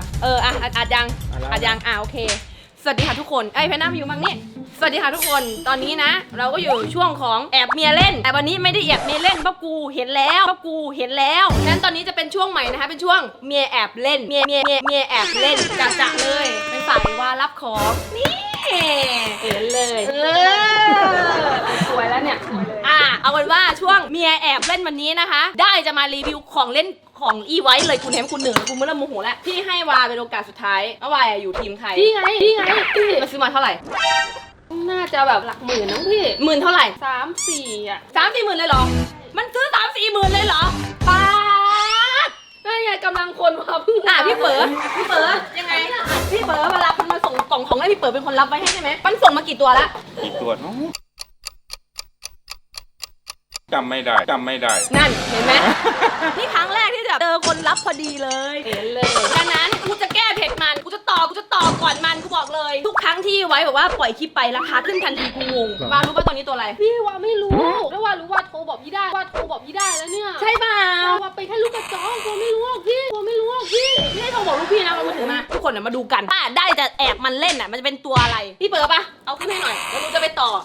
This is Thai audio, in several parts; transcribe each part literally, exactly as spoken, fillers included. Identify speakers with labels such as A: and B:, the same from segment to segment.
A: เอออ่ะอัดยังอัดยังอ่ะโอเคสวัสดีค่ะทุกคนไอ้เพนน้าอยู่บ้างนี่สวัสดีค่ะทุกคนตอนนี้นะเราก็อยู่ช่วงของแอบเมียเล่นแต่วันนี้ไม่ได้แอบเมียเล่นเพราะกูเห็นแล้วเพราะกูเห็นแล้วฉะนั้นตอนนี้จะเป็นช่วงใหม่นะคะเป็นช่วงเมียแอบเล่นเมียเมียเมียเมียแอบเล่นจะจะเลยเป็นฝ่ายว่ารับของนี่เห็นเลยเออสวยแล้วเนี่ยอ่ะเอาเป็นว่าช่วงเมียแอบเล่นวันนี้นะคะได้จะมารีวิวของเล่นของอีไว้เลยคุณเห็นคุณเหนือคุณเริ่มโมโหแล้วพี่ให้วาเป็นโอกาสสุดท้ายว่าวาอยู่ทีมใครพี่ไงพี่ไงพี่มาซื้อมาเท่าไหร่น่าจะแบบหลักหมื่นน้องพี่หมื่นเท่าไหร่สามสี่อ่ะสามสี่หมื่นเลยเหรอมันซื้อสามสี่หมื่นเลยเหรอป้านั่นไงกำลังคนมาเพิ่งอ่ะพี่เป๋อพี่เป๋อยังไงพี่เป๋อเวลาคุณมาส่งกล่องของให้พี่เป๋อเป็นคนรับไว้ให้ใช่ไหมมันส่งมากี่ตัวละ
B: กี่ตัวน้องจำไม่ได้จำไม่ได้
A: นั่นเห็นไหม นี่ครั้งแรกที่แบบเจอคนรับพอดีเลยเห็นเลยฉะนั้นกูจะแก้เผ็ดมันกูจะต่อกูจะต่อก่อนมันกูบอกเลยทุกครั้งที่ไว้แบบว่าปล่อยคลิปไปราคาขึ้นทันทีกูงงวารู้ป่ะตอนนี้ตัวอะไร
C: พี่ว่าไม่รู้แล้วว่ารู้ว่าโทรบอกพี่ได้ว่าโทรบอกพี่ได้แล้วเนี่ย
A: ใช่ป่ะ
C: ว่าไปแค่ลูกกระจอกว่าไม่รู้หรอกพี่ว่าไม่รู้หรอกพี่
A: ไม่ได้โทรบอกลูกพี่นะมาถือมาทุกคนมาดูกันถ้าได้จะแอบมันเล่นอ่ะมันจะเป็นตัวอะไรพี่เปิดป่ะเอาขึ้นให้หน่อยแล้วกูจะไปต่อ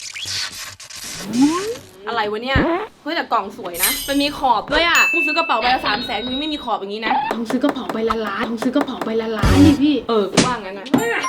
A: อะไรวะเนี่ยเฮ้ยแต่กล่องสวยนะมันมีขอบด้วยอ่ะกูซื้อกระเป๋าใบละสามแสนมึงไม่มีขอบอย่างนี้นะ
C: ต้องซื้อกระเป๋าใบละล้านต้องซื้อกระเป๋าใบละล้านนี่พี่
A: เออกูว่างั้นนะ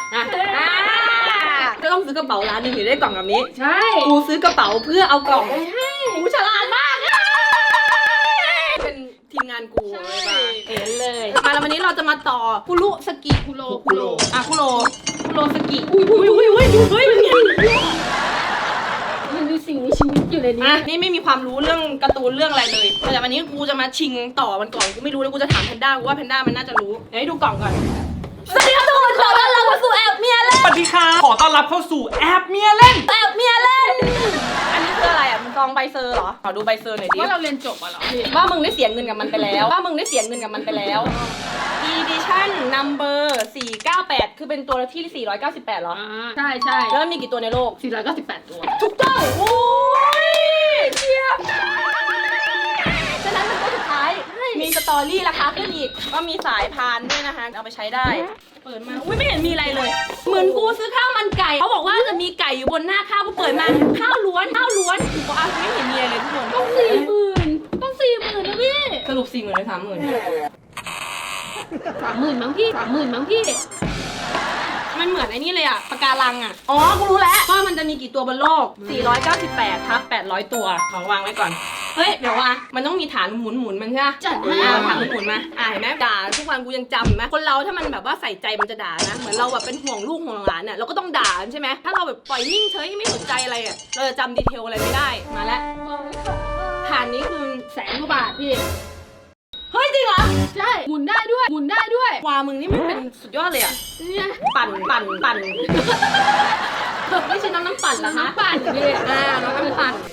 A: ก็ต้องซื้อกระเป๋าร้านหนึ่งถึงได้กล่องแบบนี้
C: ใช่
A: กูซื้อกระเป๋าเพื่อเอากล่องใช่กูฉลาดมากเป็นทีมงานกูเลยป่ะเห็นเลยมาแล้ววันนี้เราจะมาต่อคุรุสกิคุโรคุโรอ่ะคุโรคุโรสกิอุ้ยอุ้ยอุ้ยอุ้ยอุ้ยเป็นไง
C: มันมีสิ่งมีชีวิตอยู่ในนี้
A: อ่ะนี่ไม่มีความรู้เรื่องการ์ตูนเรื่องอะไรเลยแต่วันนี้กูจะมาชิงต่อมันก่อนกูไม่รู้แล้วกูจะถามแพนด้ากูว่าแพนด้ามันน่าจะรู้เดี๋ยวให้ดูกล่องก่อนสวัสดีครับทุกคนขอต้อนรับเข้าสู่แอบเมียเล่น
B: สวัสดีค่ะขอต้อนรับเข้าสู่แอบเมียเล่น
A: แอบเมียเล่นอันนี้คืออะไรอ่ะมันซองใบเซอร์เหรอขอดูใบเซอร์หน่อยดิ
C: ว่าเราเรียนจบอ่ะเหรอ
A: ว่ามึงได้เสียเงินกับมันไปแล้วว่ามึงได้เสียเงินกับมันไปแล้ว Edition Number สี่เก้าแปดคือเป็นตัวที่สี่ร้อยเก้าสิบแปดเหรอ
C: ใช่ใช่
A: แล้วมีกี่ตัวในโลก
C: สี่ร้อยเก้าสิบแปดตัว
A: ถูกต้องโอ้ยเชียบฉะนั้นเป็นตัวสุดท้ายมีสตอรี่ราคาขึ้นอีกก็มีสายพานด้วยนะคะเอาไปใช้ได้เปิดมาอุ้ยไม่เห็นมีอะไรเลยเหมือนกูซื้อข้าวมันไก่เขาบอกว่าจะมีไก่อยู่บนหน้าข้าวกูเปิดมาข้าวล้วนข้าวล้วนกูอ่ะไม่เห็นมีอะไรเลยทุกคน
C: ต้องสี่หมื่นต้องสี่หมื่นนะพี่
A: สรุปสี่หมื่นหรือสามหมื่น
C: สามหมื่นมั้งพี่สามหมื่นมั้งพี่
A: มันเหมือนไอ้นี่เลยอะปะการังอะอ๋อกูรู้แล้วว่ามันจะมีกี่ตัวบนโลกสี่ร้อยเก้าสิบแปดทับแปดร้อยตัวของวางไว้ก่อนเฮ้ยเดี๋ยวว่ามันต้องมีฐานหมุนหมุนมันใช่ไหม
C: จัดให้
A: ฐานหมุนหมุนมาอ่าเห็นไหมด่าทุกวันกูยังจำนะคนเราถ้ามันแบบว่าใส่ใจมันจะด่านะเหมือนเราแบบเป็นห่วงลูกห่วงหลานเนี่ยเราก็ต้องด่าใช่ไหมถ้าเราแบบปล่อยนิ่งเฉยไม่สนใจอะไรอะเราจะจำดีเทลอะไรไม่ได้มาแล้วฐานนี้คือ
C: แสนกว่าบาทพี่
A: เฮ้ยจริงเหรอ
C: ใช่หมุนได้ด้วยหมุนได้ด้วย
A: วามึงนี่มันเป็นสุดยอดเลยอะ
C: เนี่ย
A: ปั่นปั่นปั่นไม่ใช่น้ำน้ำปั่นเหรอคะ
C: น้ำปั่นพี่
A: อ่าน้ำน้ำปั่น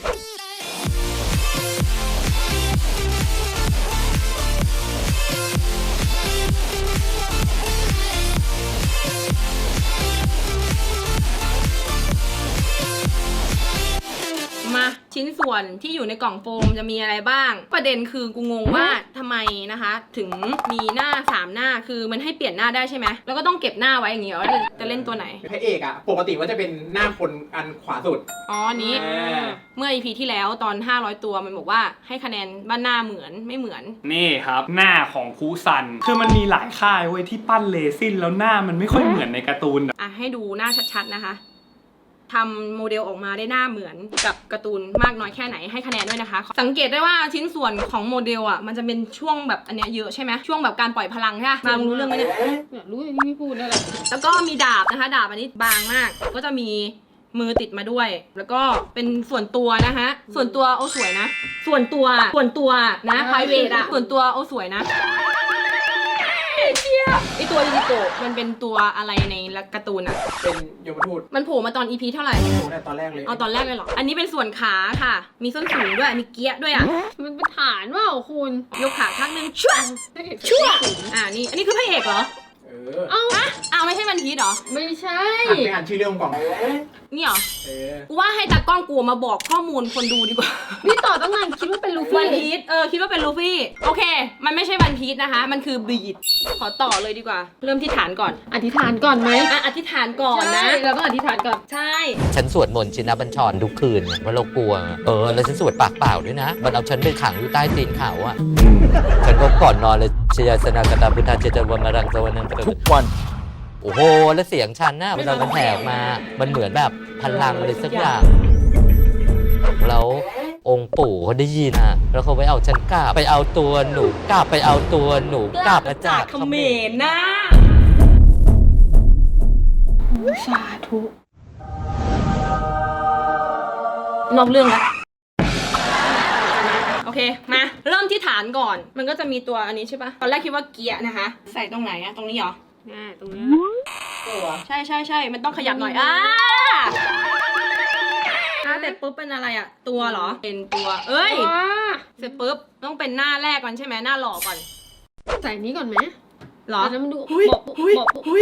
A: มาชิ้นส่วนที่อยู่ในกล่องโฟมจะมีอะไรบ้างประเด็นคือกูงงว่าทำไมนะคะถึงมีหน้าสามหน้าคือมันให้เปลี่ยนหน้าได้ใช่ไหมแล้วก็ต้องเก็บหน้าไว้อย่างเงี้ยว่าจะเล่นตัวไหน
D: พระเอกอะปกติว่าจะเป็นหน้าคนอันขวาสุด
A: อ๋อนี้เมื่อ อี พี ที่แล้วตอนห้าร้อยตัวมันบอกว่าให้คะแนนบ้านหน้าเหมือนไม่เหมือน
B: นี่ครับหน้าของคูซันคือมันมีหลายค่ายเว้ยที่ปั้นเลซินแล้วหน้ามันไม่ค่อยเหมือนในการ์ตูน
A: อ่ะให้ดูหน้าชัดๆนะคะทำโมเดลออกมาได้หน้าเหมือนกับการ์ตูนมากน้อยแค่ไหนให้คะแนนด้วยนะคะสังเกตได้ว่าชิ้นส่วนของโมเดลอ่ะมันจะเป็นช่วงแบบอันเนี้ยเยอะใช่ไหมช่วงแบบการปล่อยพลังใช่ไหมมารู้เรื่องไหมเนี่ย
C: รู้อย่างที่พี่พูดนั่นแหละ
A: แล้วก็มีดาบนะคะดาบอันนี้บางมากก็จะมีมือติดมาด้วยแล้วก็เป็นส่วนตัวนะคะส่วนตัวโอ้สวยนะส่วนตัวส่วนตัวนะไพรเวทอะส่วนตัวโอ้สวยนะไอตัวยูนิโกะมันเป็นตัวอะไรในการ์ตูนอะ
D: เป็นยมทูต
A: มันโผล่มาตอน อี พี เท่าไหร่
D: โผล่ตอนแรกเลย
A: เอาตอนแรกเลยเหรออันนี้เป็นส่วนขาค่ะมีส้นสูงด้วยมีเกียร์ด้วยอะ
C: มันเป็นฐานว่าคุณ
A: ยกขาข้างนึงชั่วชั่วอ่านี่อันนี้คือพระเอกเหรอ
D: เออ
A: เอาอะอ้าวไม่ใช่วันพีชเหรอ
C: ไม่ใช่
D: อ่านไปอ่านชื่อเรื่องก่อน
A: นี่เหรอ
D: เออ
A: กูว่าให้ตากล้องกูมาบอกข้อมูลคนดูดีกว่า
C: พี่ต่อตั้งนานคิดว่าเป็นลู
A: วัน
C: ฟี่
A: พีชเออคิดว่าเป็นลูฟี่โอเค มันไม่ใช่วันพีชนะคะ มันคือบีดขอต่อเลยดีกว่า เริ่มที่ฐานก่อน
C: อธิษฐานก่อนไหม
A: อ่ะอธิษฐานก่อนนะ
C: ใช่เราต้องอธิษฐานก่อน
A: ใช่
E: ฉันสวดมนต์ชินบัญชรทุกคืนไงเพราะเรากลัว เออ แล้วฉันสวดปากเปล่าด้วยนะ มันเอาฉันไปขังอยู่ใต้ตีนเขาอะฉันก็ก่อนนอนเลยชยาสนากตาพุทธาเจตวมารังสวรรค์ทุกวัน โอ้โห แล้วเสียงฉันน่ะเวลามันแผ่ออกมา มันเหมือนแบบพลังอะไรสักอย่าง แล้วองค์ปู่เขาได้ยินอ่ะ แล้วเขาไปเอาฉันกลับไปเอาตัวหนูกลับไปเอาตัวหนูกลับมาจาก
A: เขมรนะ
C: สาธุ
A: นอกเรื่องแล้วโอเคมาเริ่มที่ฐานก่อน มันก็จะมีตัวอันนี้ใช่ปะตอนแรกคิดว่าเกียร์นะคะ ใส่ตรงไหนอะตรงนี้เหรอ
C: ง่ายตรงนี้
A: ใช่ใช่ใช่มันต้องขยับหน่อยอ่าอ่าแต่ปุ๊บเป็นอะไรอะตัวเหรอเป็นตัว เอ้ย
C: ว้า
A: เสร็จปุ๊บต้องเป็นหน้าแรกก่อนใช่ไหมหน้าหล่อก่อน
C: ใส่นี้ก่อนไหม
A: เหรอ
C: อันนั้นมันดู
A: หุ้ย
C: บอก
A: หุ้ย
C: บอก
A: หุ้ย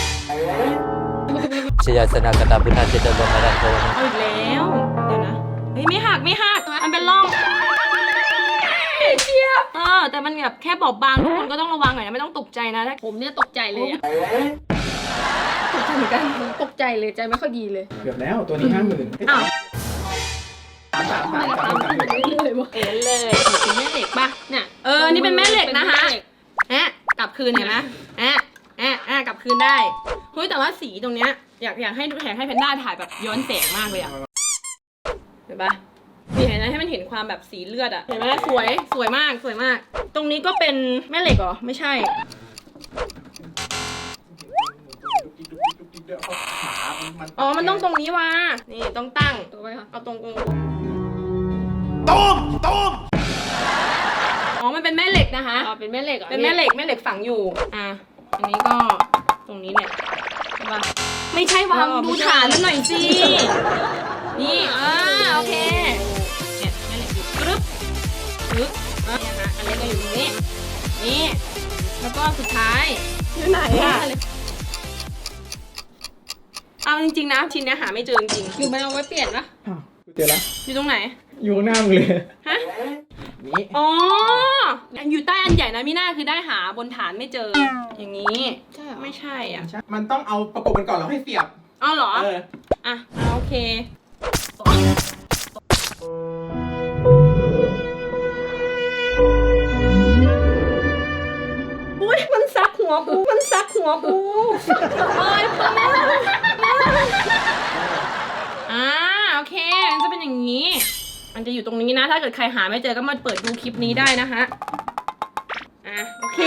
E: ชยาสนากตาพุทธาเจตวมารังสวรรค์
A: เอาอีกแล้วเดี๋ยวนะเฮ้ยไม่หักไม่หักมันเป็นร่องเชียบเออแต่มันแบบแค่บอบบางทุกคนก็ต้องระวังหน่อยนะไม่ต้องตกใจนะถ้า
C: ผมเนี่ยตกใจเลยอะ
A: ตกใจเหมือนกัน
C: ตกใจเลยใจไม่ค่อยดีเลย
D: เกือบแล้วตัวนี้ห้าหมื่น
A: อ้าว
D: สาม
C: ทำไม
D: สาม
C: รา
D: สาม
C: คา
D: สาม
C: มันขึ้นเรื่อยๆวะ
A: เอ็นเลยเป็นแม่เหล็กป่ะ
C: เนี่ย
A: เออนี่เป็นแม่เหล็กนะคะ
C: เป็นแม่เหล็ก
A: แอะกลับคืนเห็นไหมแอะแอะแอะกลับคืนได้เฮ้ยแต่ว่าสีตรงเนี้ยอยากอยากให้ดูแข่งให้แพนด้าถ่ายแบบย้อนแสงมากเลยอะเห็นปะนี่เห็นไหมให้มันเห็นความแบบสีเลือดอะเห็นไหมสวยสวยมากสวยมาก ตรงนี้ก็เป็นแม่เหล็กเหรอไม่ใช่ อ๋อมันต้องตรงนี้วะนี่ต้องตั้ง
C: ตัวไว้ค่ะ
A: เอาตรงตรงต้มต้มอ๋อมันเป็นแม่เหล็กนะคะ
C: อ๋อเป็นแม่เหล็กหรอ
A: เป็นแม่เหล็กแม่เหล็กฝังอยู่ อ่ะ อันนี้ก็ตรงนี้เนี่ยใช่ปะไม่ใช่วางดูฐานมันหน่อยสิ นี่ อ่า โอเค เนี่ยแม่เหล็กอยู่กรึ๊บกรึ๊บอ่ะเนี่ยค่ะอันนี้ก็อยู่ตรงนี้ นี่ แล้วก็สุดท้ายอยู่ไหนอ่ะเอาจริงๆนะชิ้นเนี้ยหาไม่เจอจริง
C: คือมันเอาไว้เปลี่ยนปะ
D: อ้าวเจอแล้ว
A: ๆอยู่ตรงไหน
D: อยู่ข้างหน้ามึงเลย
A: ฮะ
D: นี่
A: อ๋อ อยู่ใต้อันใหญ่นะมิน่าคือได้หาบนฐานไม่เจอ อย่างนี้
C: ใช่เหรอ
A: ไม่ใช่อ่ะ
D: มันต้องเอาประกบกันก่อนแล้วให้เสียบ
A: อ้าวเหรอ
D: เออ
A: อ่ะอ่ะโอเค อุ้ยมันซักหัวกู มันซักหัวกูโอ้ยพ่ออ่าโอเค มันจะเป็นอย่างนี้ มันจะอยู่ตรงนี้นะ ถ้าเกิดใครหาไม่เจอก็มาเปิดดูคลิปนี้ได้นะคะ อ่ะโอเค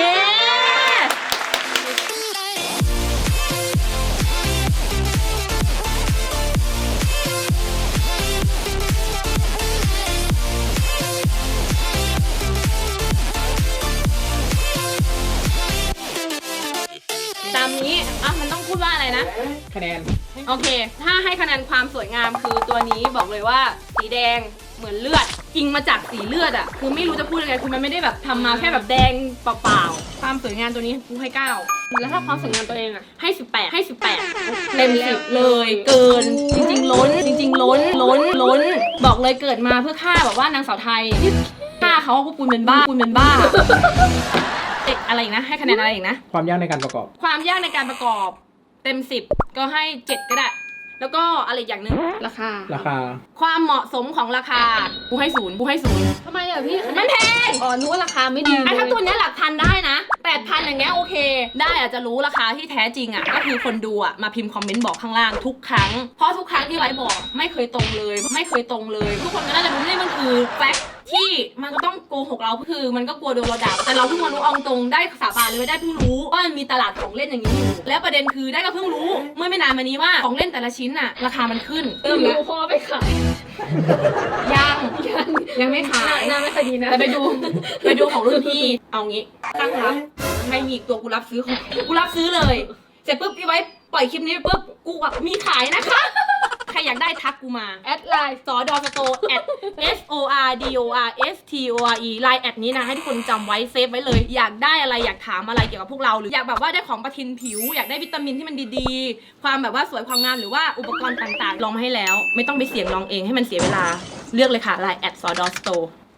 A: ตามนี้ อ่ะ มันต้องพูดว่าอะไรนะ
D: คะแนน
A: โอเค ถ้าให้คะแนนความสวยงามคือตัวนี้บอกเลยว่าสีแดงเหมือนเลือดจริงมาจากสีเลือดอะคือไม่รู้จะพูดยังไงคือมันไม่ได้แบบทำมาแค่แบบแดงเปล่าๆความสวยงามตัวนี้กูให้เก้า
C: แล้วถ้าความสวยงามตัวเองอะ
A: ให้สิบแปดให้สิบแปดเต็มสิบเลยเกิน จริงๆ ล้น จริง ๆ ล้นล้นล้น บอกเลยเกิดมาเพื่อฆ่าแบบว่านางสาวไทยฆ่าเขาพวกคุณเป็นบ้าคุณเป็นบ้าเอกอะไรอีกนะ ให้คะแนนอะไรอีกนะ
D: ความยากในการประกอบ
A: ความยากในการประกอบเต็มสิบก็ให้เจ็ดก็ได้ แล้วก็อะไรอีกอย่างหนึ่ง
C: ราคา
D: ราคา
A: ความเหมาะสมของราคากูให้ศูนย์กูให้ศูนย์
C: ทำไมอะพี่
A: มันแพง
C: อ๋อนึกว่าราคาไม่ดี
A: ไอ้
C: เลย
A: ถ้าตัวเนี้ยหลักพันได้นะแปดพันอย่างเงี้ยโอเค ได้อาจจะรู้ราคาที่แท้จริงอ่ะก็คือคนดูอ่ะมาพิมพ์คอมเมนต์บอกข้างล่างทุกครั้งเพราะทุกครั้งที่ไว้บอกไม่เคยตรงเลย ไม่เคยตรงเลย ทุกคนก็น่าจะรู้นี่มันคือแฟกต์ที่มันก็ต้องโกหกเราคือมันก็กลัวโดนเราด่าแต่เราเพิ่งมารู้เอาตรงได้สาบานเลยว่าได้เพิ่งรู้ว่ามันมีตลาดของเล่นอย่างนี้อยู่แล้วประเด็นคือได้ก็เพิ่งรู้เมื่อไม่นานมานี้ว่าของเล่นแต่ละชิ้นอ่ะราคามันขึ้น
C: เติ
A: เริ่
C: ม
A: ม
C: แล้
A: แล้ว ว
C: พ่อไปขาย
A: ยัง
C: ยัง
A: ยังไม่ขาย
C: หน้าไม่ค่อยดีนะ
A: แต่ไปดู ไปดูของรุ่นพี่ เอางี้ตั้งรับให้มีอีกตัวกูรับซื้อของกูรับซื้อเลย เสร็จปุ๊บพี่ไว้ปล่อยคลิปนี้ปุ๊บกูอะมีขายนะคะใครอยากได้ทักกูมา
C: แอดไลน์
A: สอดอสโต at s o r d o r s t o r e ไลน์แอดนี้นะให้ทุกคนจำไว้เซฟไว้เลยอยากได้อะไรอยากถามอะไรเกี่ยวกับพวกเราหรืออยากแบบว่าได้ของประทินผิวอยากได้วิตามินที่มันดีๆความแบบว่าสวยความงามหรือว่าอุปกรณ์ต่างๆลองมาให้แล้วไม่ต้องไปเสี่ยงลองเองให้มันเสียเวลาเลือกเลยค่ะไลน์แอดสอดอสโต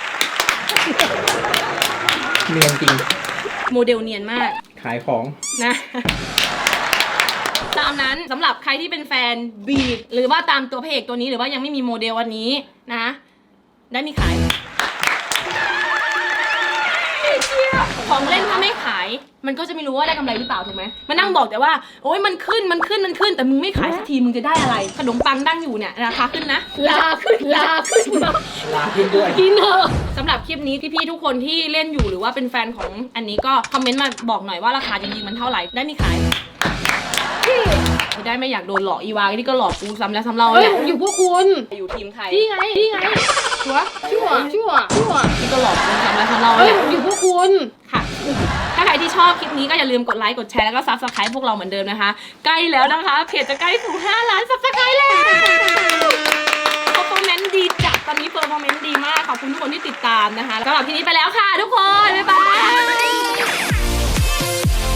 D: เนียนจริง
A: โมเดลเนียนมาก
D: ขายของ
A: นะตามนั้นสำหรับใครที่เป็นแฟนบีดหรือว่าตามตัวพระเอกตัวนี้หรือว่ายังไม่มีโมเดลวันนี้นะได้มีขายของเล่นถ้าไม่ขายมันก็จะไม่รู้ว่าได้กำไรหรือเปล่าถูกไหมมานั่งบอกแต่ว่าโอ๊ยมันขึ้นมันขึ้นมันขึ้นแต่มึงไม่ขายสักทีมึงจะได้อะไรขนมปังตั้งอยู่เนี่ยราคาขึ้นนะ
C: ลาขึ้นลาขึ้นมา
D: ลาขึ้นด้วย
C: กินเถอะ
A: สำหรับคลิปนี้พี่ๆทุกคนที่เล่นอยู่หรือว่าเป็นแฟนของอันนี้ก็คอมเมนต์มาบอกหน่อยว่าราคาจริงๆมันเท่าไหร่ได้มีขายไม่ได้ไม่อยากโดนหลอกอีวานี่ก็หลอกกูซ้ำแล้วซ้ำเล่า
C: เฮ้ย
A: เนี่ย
C: อยู่พวกคุณ
A: อยู่ทีมใคร
C: พี่ไงพี่ไง
A: ชัวร์
C: ชั่วชั่วชั่ว
A: นี่ก็หลอกกูซ้ำแล้วซ้ำเล่า
C: เฮ้ย
A: เนี่ย
C: อยู่พวกคุณ
A: ค่ะ ถ้าใครที่ชอบคลิปนี้ก็อย่าลืมกดไลค์กดแชร์แล้วก็ซับสไครป์พวกเราเหมือนเดิมนะคะใกล้แล้วนะคะเพจจะใกล้ถึงห้าล้านซับสไครป์แล้วเพอร์ฟอร์แมนซ์ดีจัดตอนนี้เพอร์ฟอร์แมนซ์ดีมากขอบคุณทุกคนที่ติดตามนะคะสำหรับทีนี้ไปแล้วค่ะทุกคนบ๊ายบาย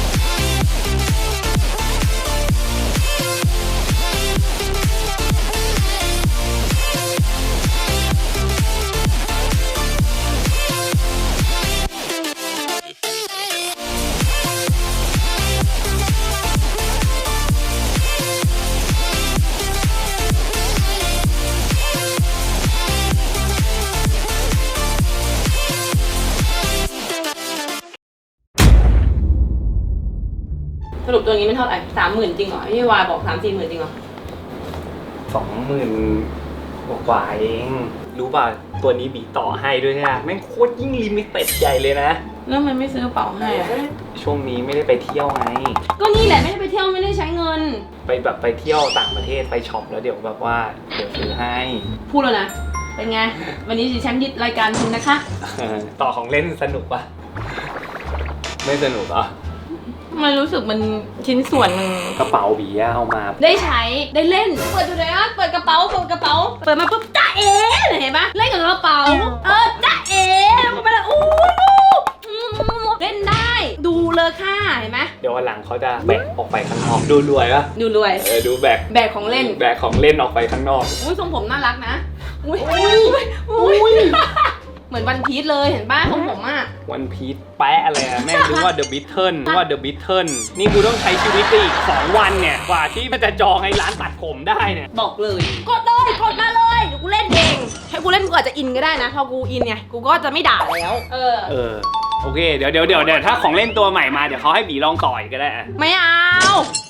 A: สรุปตัวนี้มันเท่าไหร่สามหมื่นจริงเหรอพี่วายบอกสามสี่หมื่นจริงเหรอ
B: สองหมื่นกว่าเองรู้ป่ะตัวนี้บีต่อให้ด้วยนะแม่งโคตรยิ่งลิมิเต็ดใหญ่เลยนะ
A: แล้วมันไม่ซื้อกระเป๋าให้อะ
B: ช่วงนี้ไม่ได้ไปเที่ยวไง
A: ก็นี่แหละไม่ได้ไปเที่ยวไม่ได้ใช้เงิน
B: ไปแบบไปเที่ยวต่างประเทศไปช็อปแล้วเดี๋ยวแบบว่าเดี๋ยวซื้อให้
A: พูดแล้วนะเป็นไงวันนี้ดิฉันยึดรายการคุณนะคะ
B: เออต่อของเล่นสนุกปะไม่สนุกเหรอ
A: มันรู้สึกมันชิ้นส่วนมัน
B: กระเป๋าบีอะเอามา
A: ได้ใช้ได้เล่นเปิดดูเลยอ่ะเปิดกระเป๋าเปิดกระเป๋าเปิดมาปุ๊บจ้าเอ๋เห็นปะเล่นกับกระเป๋าเออจ้าเอ๋มันไปละอู้อืมเล่นได้ดูเลยค่ะเห็นไหม
B: เดี๋ยววันหลังเขาจะแบกออกไปข้างนอกดูรวยปะ
A: ดูรวย
B: เออดูแบก
A: แบกของเล่น
B: แบกของเล่นออกไปข้างนอก
A: อุ้ยทรงผมน่ารักนะอุ้ยอุ้ยอุ้ยเหมือนวันพีชเลยเห็นป่ะทรงผมอ่ะ
B: วันพีชแปะอะไรอะแม่งนึกว่าเดอะบิทเทิลนึกว่าเดอะบิทเทิลนี่กูต้องใช้ชีวิตไปอีกสองวันเนี่ยกว่าที่มันจะจองไอ้ร้านตัดผมได้เนี่ย
A: บอกเลยกดเลยกดมาเลยเดี๋ยวกูเล่นเองให้กูเล่นกูอาจจะอินก็ได้นะพอกูอินเนี่ยกูก็จะไม่ด่าแล้วเออ
B: เออโอเคเดี๋ยวเดี๋ยวเดี๋ยวเดี๋ยวถ้าของเล่นตัวใหม่มาเดี๋ยวเขาให้บีลองต่อยก็ได้อะ
A: ไม่เอา